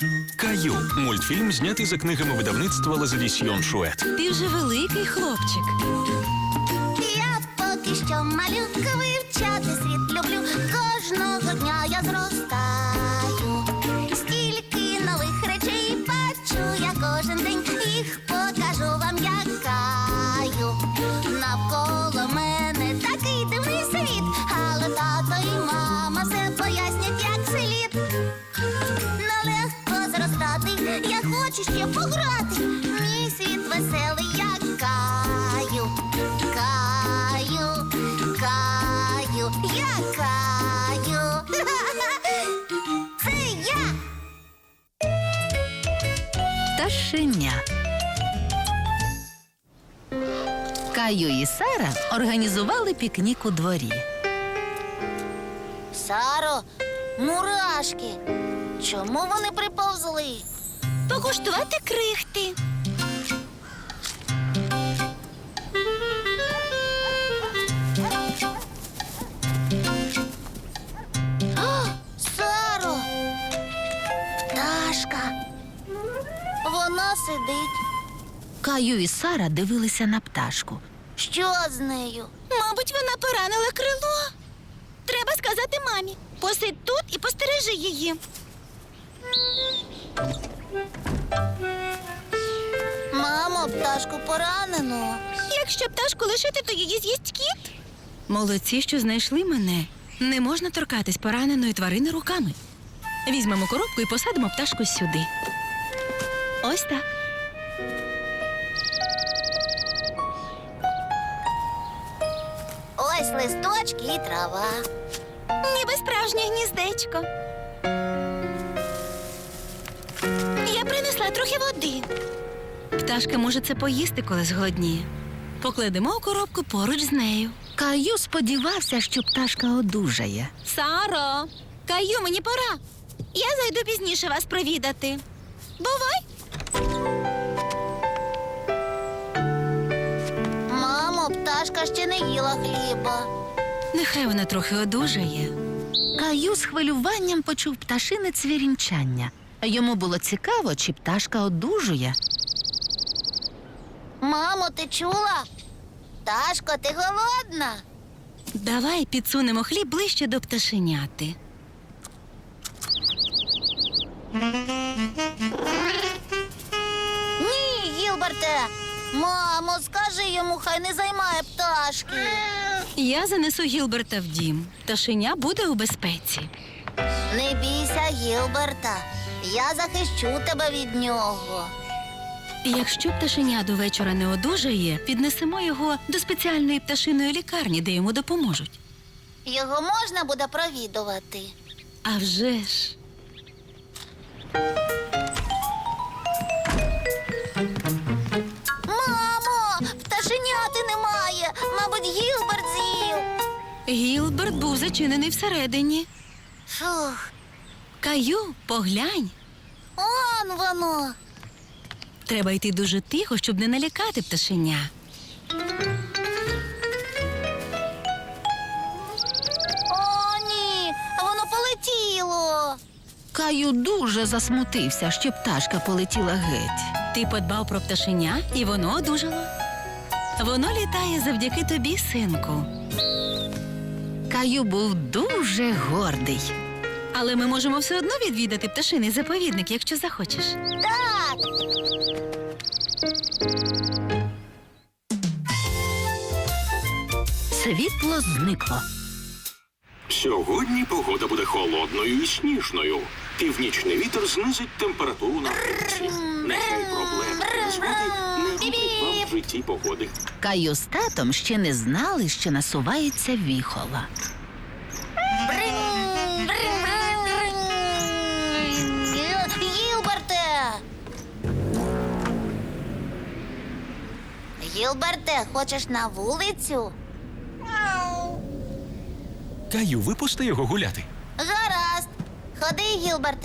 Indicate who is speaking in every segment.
Speaker 1: Каю – мультфільм, знятий за книгами видавництва Лазадісьйон Шует.
Speaker 2: Ти вже великий хлопчик.
Speaker 3: Я поки що малюка, вивчати світ люблю. Кожного дня я зростаю. Стільки нових речей бачу я кожен день. Їх покажу вам, як Каю. Навколо мене такий дивний світ. Але тато і мама все пояснять, як слід. Нелегко зростати, я хочу ще пограти. Мій світ веселий, як Каю. Каю, Каю, я Каю. Це я.
Speaker 2: Пташеня. Каю і Сара організували пікнік у дворі.
Speaker 3: Саро, мурашки. Чому вони приповзли?
Speaker 2: Покуштувати крихти.
Speaker 3: О, Саро! Пташка. Вона сидить.
Speaker 2: Каю і Сара дивилися на пташку.
Speaker 3: Що з нею?
Speaker 2: Мабуть, вона поранила крило. Треба сказати мамі. Посидь тут і постережи її.
Speaker 3: Мамо, пташку поранено.
Speaker 2: Якщо пташку лишити, то її з'їсть кіт. Молодці, що знайшли мене. Не можна торкатись пораненої тварини руками. Візьмемо коробку і посадимо пташку сюди. Ось так.
Speaker 3: Ось листочки і трава.
Speaker 2: Ніби справжнє гніздечко. Я принесла трохи води. Пташка може це поїсти, коли зголодніє. Покладемо у коробку поруч з нею. Каю сподівався, що пташка одужає. Саро, Каю, мені пора. Я зайду пізніше вас провідати. Бувай!
Speaker 3: Мамо, пташка ще не їла хліба.
Speaker 2: Нехай вона трохи одужає. Каю з хвилюванням почув пташине цвірінчання. Йому було цікаво, чи пташка одужує.
Speaker 3: Мамо, ти чула? Пташко, ти голодна?
Speaker 2: Давай підсунемо хліб ближче до пташеняти.
Speaker 3: Ні, Гілберте. Мамо, скажи йому, хай не займає пташки.
Speaker 2: Я занесу Гілберта в дім. Пташеня буде у безпеці.
Speaker 3: Не бійся, Гілберта. Я захищу тебе від нього.
Speaker 2: Якщо пташеня до вечора не одужає, піднесемо його до спеціальної пташиної лікарні, де йому допоможуть.
Speaker 3: Його можна буде провідувати.
Speaker 2: А вже ж.
Speaker 3: Мамо, пташеняти немає. Мабуть, Гілберт з'їв.
Speaker 2: Гілберт був зачинений всередині.
Speaker 3: Фух,
Speaker 2: Каю, поглянь.
Speaker 3: он воно.
Speaker 2: Треба йти дуже тихо, щоб не налякати пташеня.
Speaker 3: О, ні, воно полетіло.
Speaker 2: Каю дуже засмутився, що пташка полетіла геть. Ти подбав про пташеня, і воно одужало. Воно літає завдяки тобі, синку. Каю був дуже гордий. Але ми можемо все одно відвідати пташиний заповідник, якщо захочеш.
Speaker 3: Так.
Speaker 2: Світло зникло.
Speaker 1: Сьогодні погода буде холодною і сніжною. Північний вітер знизить температуру на вулиці. Нехай проблеми та незгоди не роблять вам в житті погоди.
Speaker 2: Каю з татом ще не знали, що насувається віхола.
Speaker 3: Бринь, бринь, бринь, бринь. Гілберте! Гілберте, хочеш на вулицю?
Speaker 1: Каю, випусти його гуляти.
Speaker 3: Гаразд. Ходи, Гілберте.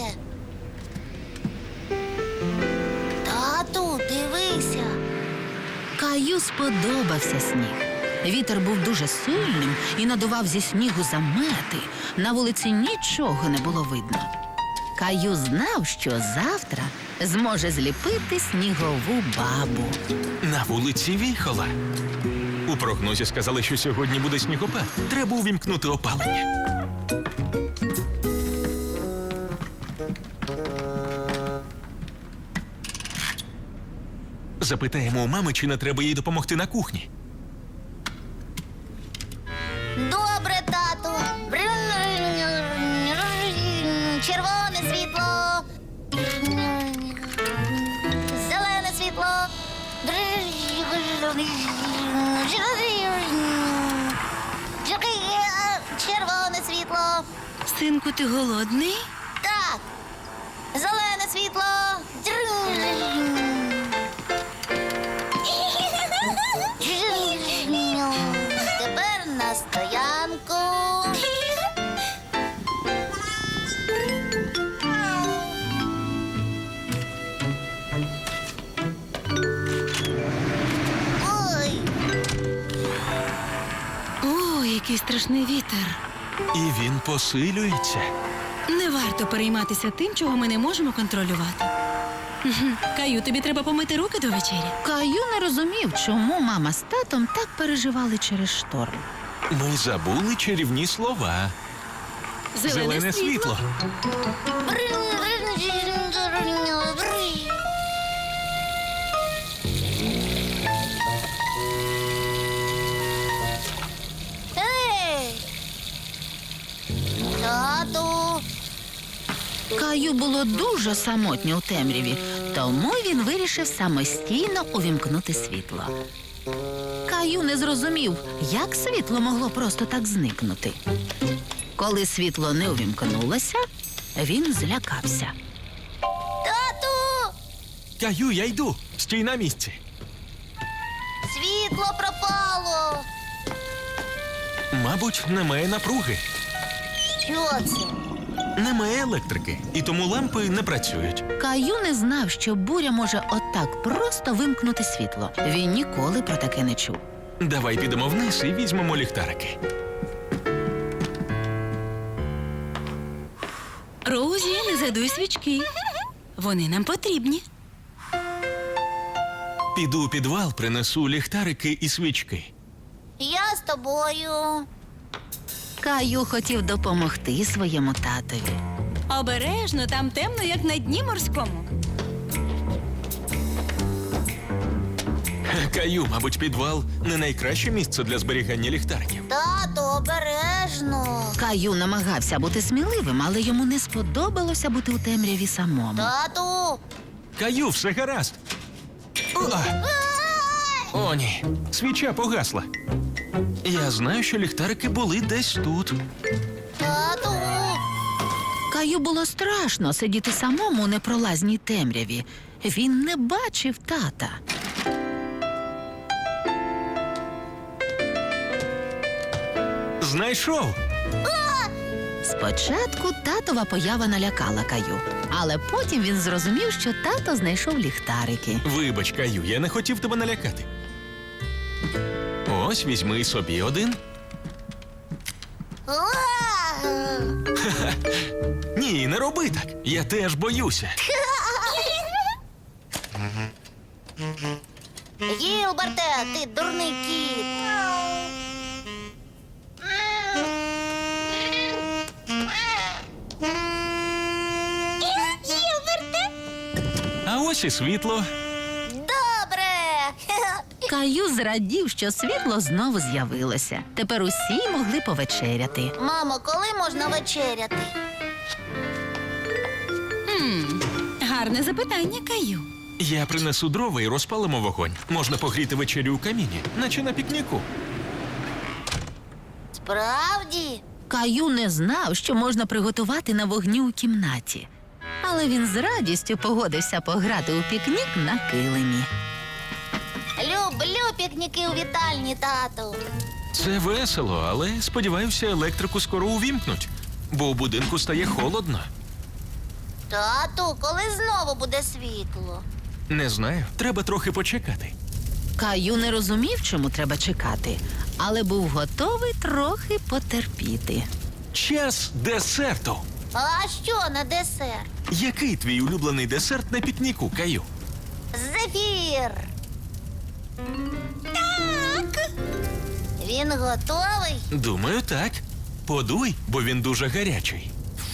Speaker 3: Тату, дивися.
Speaker 2: Каю сподобався сніг. Вітер був дуже сильним і надував зі снігу замети. На вулиці нічого не було видно. Каю знав, що завтра зможе зліпити снігову бабу.
Speaker 4: На вулиці віхола. У прогнозі сказали, що сьогодні буде снігопад. Треба увімкнути опалення. Запитаємо у мами, чи не треба їй допомогти на кухні.
Speaker 3: Добре, тату. Червоне світло. Зелене світло. Червоне світло.
Speaker 2: Синку, ти голодний?
Speaker 3: Так. Зелене світло. Тепер на стоянку. Ой,
Speaker 2: О, який страшний вітер.
Speaker 4: І він посилюється.
Speaker 2: Не варто перейматися тим, чого ми не можемо контролювати. Каю, тобі треба помити руки до вечері. Каю не розумів, чому мама з татом так переживали через шторм.
Speaker 4: Ми забули чарівні слова. Зелене світло.
Speaker 3: Ей! Тату!
Speaker 2: Каю було дуже самотньо у темряві, тому він вирішив самостійно увімкнути світло. Каю не зрозумів, як світло могло просто так зникнути. Коли світло не увімкнулося, він злякався.
Speaker 3: Тату!
Speaker 4: Каю, я йду. Стій на місці.
Speaker 3: Світло пропало!
Speaker 4: Мабуть, немає напруги.
Speaker 3: Що це?
Speaker 4: Немає електрики, і тому лампи не працюють.
Speaker 2: Каю не знав, що буря може отак просто вимкнути світло. Він ніколи про таке не чув.
Speaker 4: Давай підемо вниз і візьмемо ліхтарики.
Speaker 2: Роузі, не задуй свічки. Вони нам потрібні.
Speaker 4: Піду у підвал, принесу ліхтарики і свічки.
Speaker 3: Я з тобою.
Speaker 2: Каю хотів допомогти своєму татові. Обережно, там темно, як на дні морському.
Speaker 4: Каю, мабуть, підвал не найкраще місце для зберігання ліхтариків.
Speaker 3: Тату, обережно.
Speaker 2: Каю намагався бути сміливим, але йому не сподобалося бути у темряві самому.
Speaker 3: Тату!
Speaker 4: Каю, все гаразд. О, ні, свіча погасла. Я знаю, що ліхтарики були десь тут.
Speaker 3: Тату!
Speaker 2: Каю було страшно сидіти самому у непролазній темряві. Він не бачив тата.
Speaker 4: Знайшов.
Speaker 2: Спочатку татова поява налякала Каю, але потім він зрозумів, що тато знайшов ліхтарики.
Speaker 4: Вибач, Каю, я не хотів тебе налякати. Ось, візьми собі один.
Speaker 3: Уа!
Speaker 4: Ні, не роби так. Я теж боюся.
Speaker 3: Гілберте, ти дурний кіт. Гілберте?
Speaker 4: А ось і світло.
Speaker 3: Добре.
Speaker 2: Каю зрадів, що світло знову з'явилося. Тепер усі могли повечеряти.
Speaker 3: Мамо, коли можна вечеряти?
Speaker 2: Гарне запитання, Каю.
Speaker 4: Я принесу дрова і розпалимо вогонь. Можна погріти вечерю у каміні, наче на пікніку.
Speaker 3: Справді?
Speaker 2: Каю не знав, що можна приготувати на вогні у кімнаті. Але він з радістю погодився пограти у пікнік на килимі.
Speaker 3: Люблю пікніки у вітальні, тату.
Speaker 4: Це весело, але сподіваюся, електрику скоро увімкнуть, бо у будинку стає холодно.
Speaker 3: Тату, коли знову буде світло?
Speaker 4: Не знаю, треба трохи почекати.
Speaker 2: Каю не розумів, чому треба чекати, але був готовий трохи потерпіти.
Speaker 4: Час десерту.
Speaker 3: А що на десерт?
Speaker 4: Який твій улюблений десерт на пікніку, Каю?
Speaker 3: Зефір. Так. Він готовий?
Speaker 4: Думаю, так. Подуй, бо він дуже гарячий.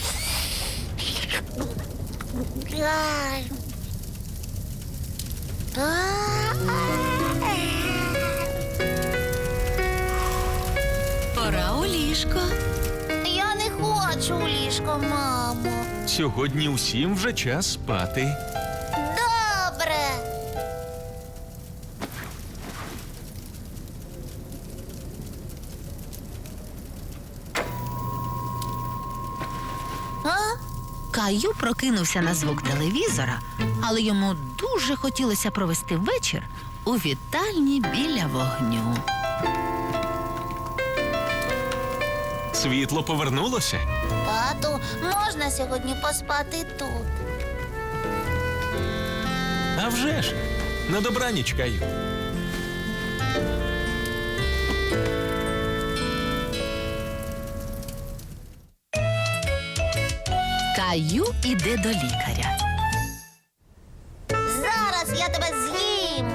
Speaker 3: Ай.
Speaker 2: Пора у ліжко.
Speaker 3: Я не хочу у ліжко, мамо.
Speaker 4: Сьогодні усім вже час спати.
Speaker 3: Добре. А?
Speaker 2: Каю прокинувся на звук телевізора, але йому дуже хотілося провести вечір у вітальні біля вогню.
Speaker 4: Світло повернулося.
Speaker 3: Тату, можна сьогодні поспати тут?
Speaker 4: А вже ж. На добраніч, Каю.
Speaker 2: Каю іде до лікаря.
Speaker 3: Зараз я тебе з'їм.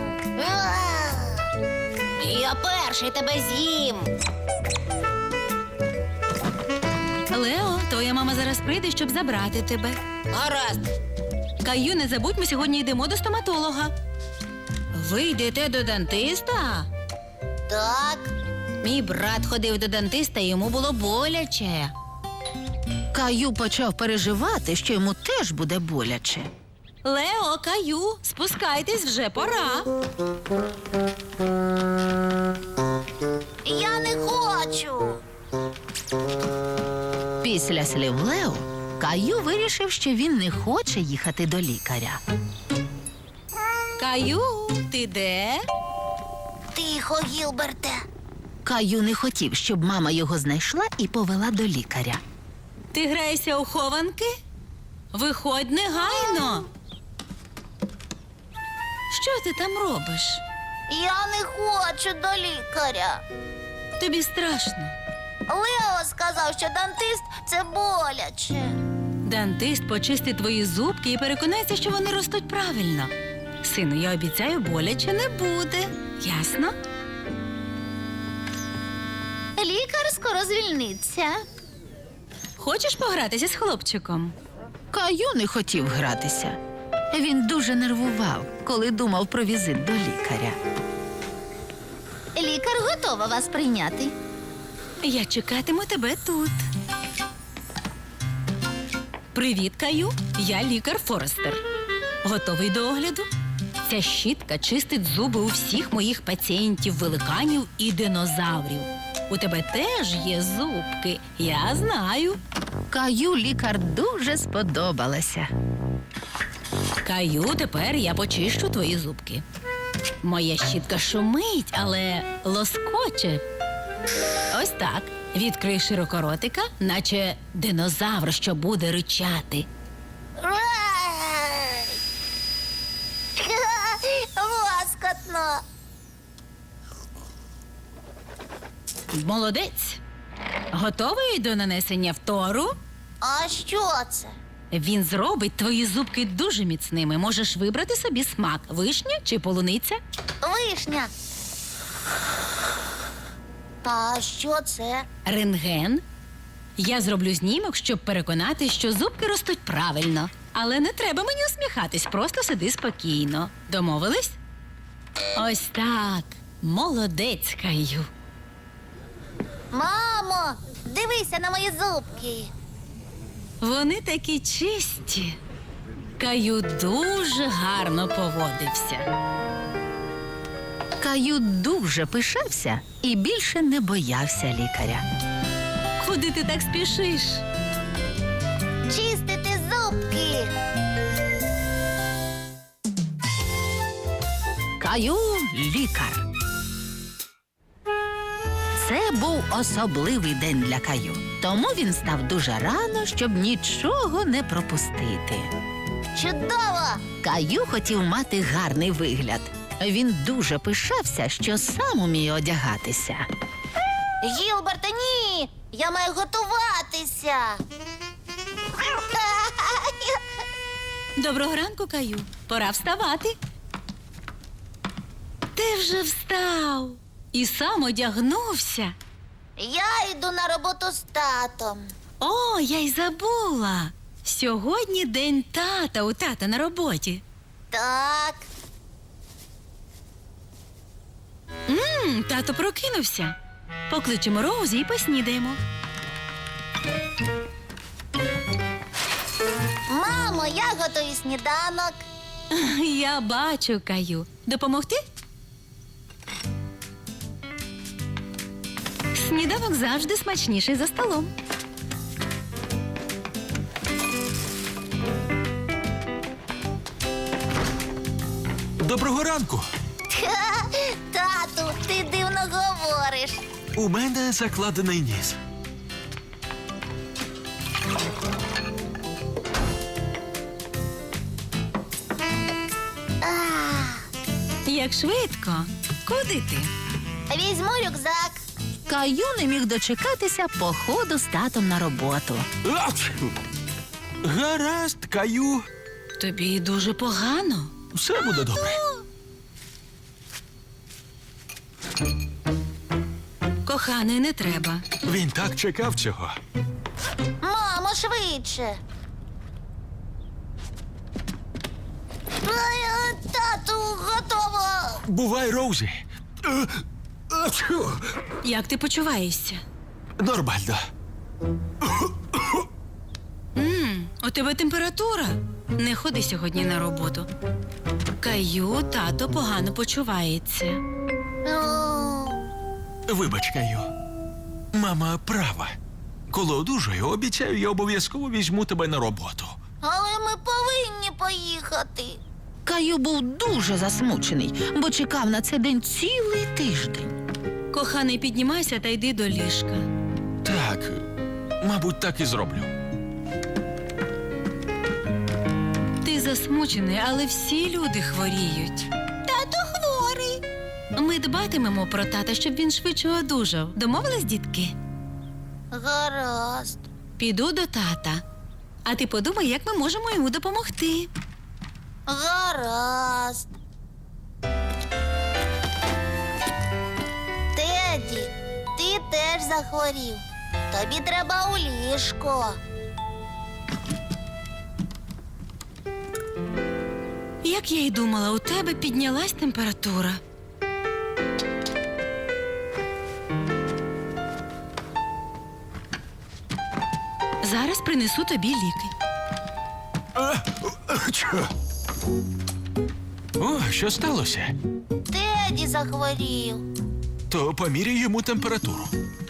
Speaker 3: Я перший тебе з'їм.
Speaker 2: Лео, твоя мама зараз прийде, щоб забрати тебе.
Speaker 3: Гаразд.
Speaker 2: Каю, не забудь, ми сьогодні йдемо до стоматолога. Ви йдете до дантиста?
Speaker 3: Так.
Speaker 2: Мій брат ходив до дантиста, і йому було боляче. Каю почав переживати, що йому теж буде боляче. Лео, Каю, спускайтесь, вже пора.
Speaker 3: Я не хочу.
Speaker 2: Після слів Лео, Каю вирішив, що він не хоче їхати до лікаря. Каю, ти де?
Speaker 3: Тихо, Гілберте.
Speaker 2: Каю не хотів, щоб мама його знайшла і повела до лікаря. Ти граєшся у хованки? Виходь негайно. Що ти там робиш?
Speaker 3: Я не хочу до лікаря.
Speaker 2: Тобі страшно.
Speaker 3: Лео сказав, що дантист – це боляче.
Speaker 2: Дантист почистить твої зубки і переконається, що вони ростуть правильно. Сину, я обіцяю, боляче не буде. Ясно?
Speaker 3: Лікар скоро звільниться.
Speaker 2: Хочеш погратися з хлопчиком? Каю не хотів гратися. Він дуже нервував, коли думав про візит до лікаря.
Speaker 3: Лікар готова вас прийняти.
Speaker 2: Я чекатиму тебе тут. Привіт, Каю. Я лікар Форестер. Готовий до огляду? Ця щітка чистить зуби у всіх моїх пацієнтів, великанів і динозаврів. У тебе теж є зубки, я знаю. Каю лікар дуже сподобалася. Каю, тепер я почищу твої зубки. Моя щітка шумить, але лоскоче. Ось так. Відкрий широко ротика, наче динозавр, що буде ричати.
Speaker 3: Лоскотно.
Speaker 2: Молодець. Готовий до нанесення втору?
Speaker 3: А що це?
Speaker 2: Він зробить твої зубки дуже міцними. Можеш вибрати собі смак – вишня чи полуниця.
Speaker 3: Вишня. А що це?
Speaker 2: Рентген. Я зроблю знімок, щоб переконати, що зубки ростуть правильно. Але не треба мені усміхатись, просто сиди спокійно. Домовились? Ось так. Молодець, Каю.
Speaker 3: Мамо, дивися на мої зубки.
Speaker 2: Вони такі чисті. Каю дуже гарно поводився. Каю дуже пишався і більше не боявся лікаря. Куди ти так спішиш?
Speaker 3: Чистити зубки.
Speaker 2: Каю лікар. Це був особливий день для Каю. Тому він став дуже рано, щоб нічого не пропустити.
Speaker 3: Чудово!
Speaker 2: Каю хотів мати гарний вигляд. Він дуже пишався, що сам уміє одягатися.
Speaker 3: Гілберте, ні! Я маю готуватися.
Speaker 2: Доброго ранку, Каю. Пора вставати. Ти вже встав і сам одягнувся.
Speaker 3: Я йду на роботу з татом.
Speaker 2: О, я й забула. Сьогодні день тата у тата на роботі.
Speaker 3: Так.
Speaker 2: Тато прокинувся. Покличемо Роузі і поснідаємо.
Speaker 3: Мамо, я готую сніданок.
Speaker 2: Я бачу, Каю. Допомогти? Сніданок завжди смачніший за столом.
Speaker 4: Доброго ранку!
Speaker 3: Тату, ти дивно говориш.
Speaker 4: У мене закладений ніс.
Speaker 2: Як швидко. Куди ти?
Speaker 3: Візьму рюкзак.
Speaker 2: Каю не міг дочекатися походу з татом на роботу.
Speaker 4: Ач! Гаразд, Каю.
Speaker 2: Тобі дуже погано.
Speaker 4: Все буде добре.
Speaker 2: Коханий, не треба.
Speaker 4: Він так чекав цього.
Speaker 3: Мамо, швидше. Тату, готово.
Speaker 4: Бувай, Роузі. Ачу!
Speaker 2: Як ти почуваєшся?
Speaker 4: Нормально.
Speaker 2: У тебе температура? Не ходи сьогодні на роботу. Каю, тато погано почувається.
Speaker 4: Вибач, Каю. Мама права. Коли одужаю, обіцяю, я обов'язково візьму тебе на роботу.
Speaker 3: Але ми повинні поїхати.
Speaker 2: Каю був дуже засмучений, бо чекав на цей день цілий тиждень. Коханий, піднімайся та йди до ліжка.
Speaker 4: Так, мабуть, так і зроблю.
Speaker 2: Ти засмучений, але всі люди хворіють. Тато хворий. Ми дбатимемо про тата, щоб він швидше одужав. Домовились, дітки?
Speaker 3: Гаразд.
Speaker 2: Піду до тата. А ти подумай, як ми можемо йому допомогти.
Speaker 3: Гаразд. Теді, ти теж захворів. Тобі треба у ліжко.
Speaker 2: Як я й думала, у тебе піднялась температура. Зараз принесу тобі ліки.
Speaker 4: Ачу! О, що сталося?
Speaker 3: Теді захворів.
Speaker 4: То поміряй йому температуру.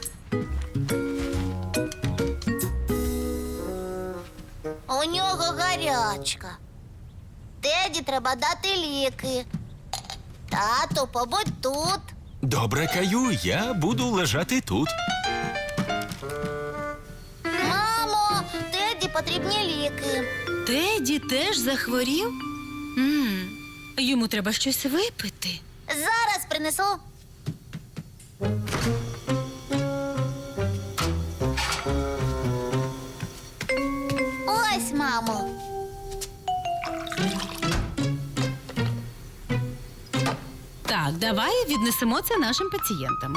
Speaker 3: У нього гарячка. Теді треба дати ліки. Тату, побудь тут.
Speaker 4: Добре, Каю, я буду лежати тут.
Speaker 3: Мамо, Теді потрібні ліки.
Speaker 2: Теді теж захворів? Йому треба щось випити.
Speaker 3: Зараз принесу. Ось, мамо.
Speaker 2: Так, давай віднесемо це нашим пацієнтам.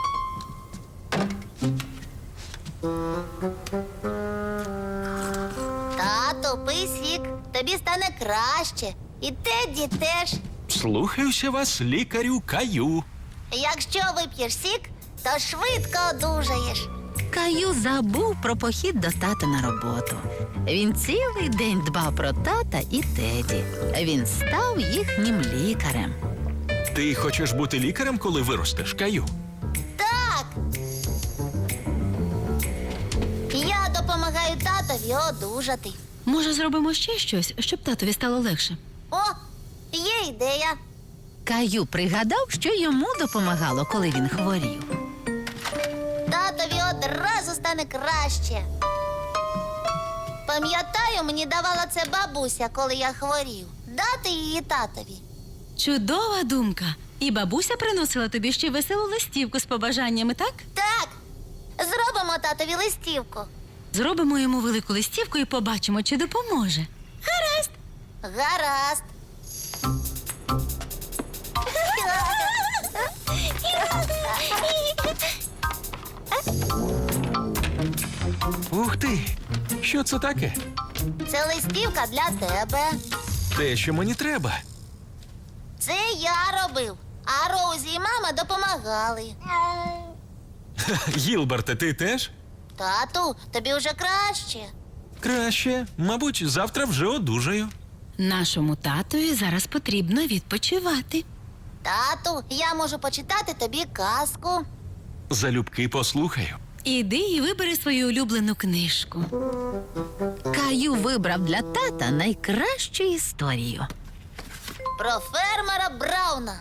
Speaker 3: Тату, пий сік. Тобі стане краще. І Теді теж.
Speaker 4: Слухаюся вас, лікарю Каю.
Speaker 3: Якщо вип'єш сік, то швидко одужаєш.
Speaker 2: Каю забув про похід до тата на роботу. Він цілий день дбав про тата і Теді. Він став їхнім лікарем.
Speaker 4: Ти хочеш бути лікарем, коли виростеш, Каю?
Speaker 3: Так. Я допомагаю татові одужати.
Speaker 2: Може, зробимо ще щось, щоб татові стало легше?
Speaker 3: О, є ідея.
Speaker 2: Каю пригадав, що йому допомагало, коли він хворів.
Speaker 3: Татові одразу стане краще. Пам'ятаю, мені давала це бабуся, коли я хворів. Дати її татові.
Speaker 2: Чудова думка. І бабуся приносила тобі ще веселу листівку з побажаннями, так?
Speaker 3: Так, зробимо татові листівку.
Speaker 2: Зробимо йому велику листівку і побачимо, чи допоможе. Гаразд.
Speaker 3: Гаразд.
Speaker 4: Ух ти! Що це таке?
Speaker 3: Це листівка для тебе.
Speaker 4: Те, що мені треба.
Speaker 3: Це я робив, а Роузі і мама допомагали.
Speaker 4: Гілберте, ти теж?
Speaker 3: Тату, тобі вже краще.
Speaker 4: Краще. Мабуть, завтра вже одужаю.
Speaker 2: Нашому татові зараз потрібно відпочивати.
Speaker 3: Тату, я можу почитати тобі казку.
Speaker 4: Залюбки послухаю.
Speaker 2: Іди і вибери свою улюблену книжку. Каю вибрав для тата найкращу історію.
Speaker 3: Про фермера Брауна.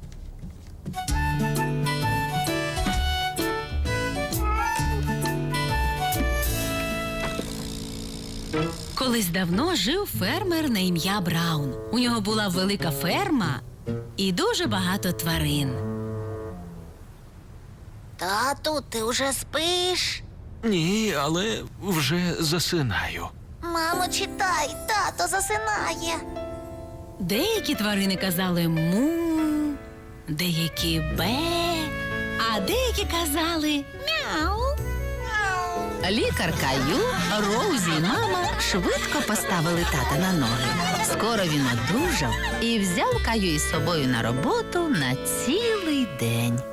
Speaker 2: Колись давно жив фермер на ім'я Браун. У нього була велика ферма і дуже багато тварин.
Speaker 3: Тату, ти вже спиш?
Speaker 4: Ні, але вже засинаю.
Speaker 3: Мамо, читай, тато засинає.
Speaker 2: Деякі тварини казали му, деякі бе, а деякі казали мяу. Лікар Каю, Роузі і мама швидко поставили тата на ноги. Скоро він одужав і взяв Каю із собою на роботу на цілий день.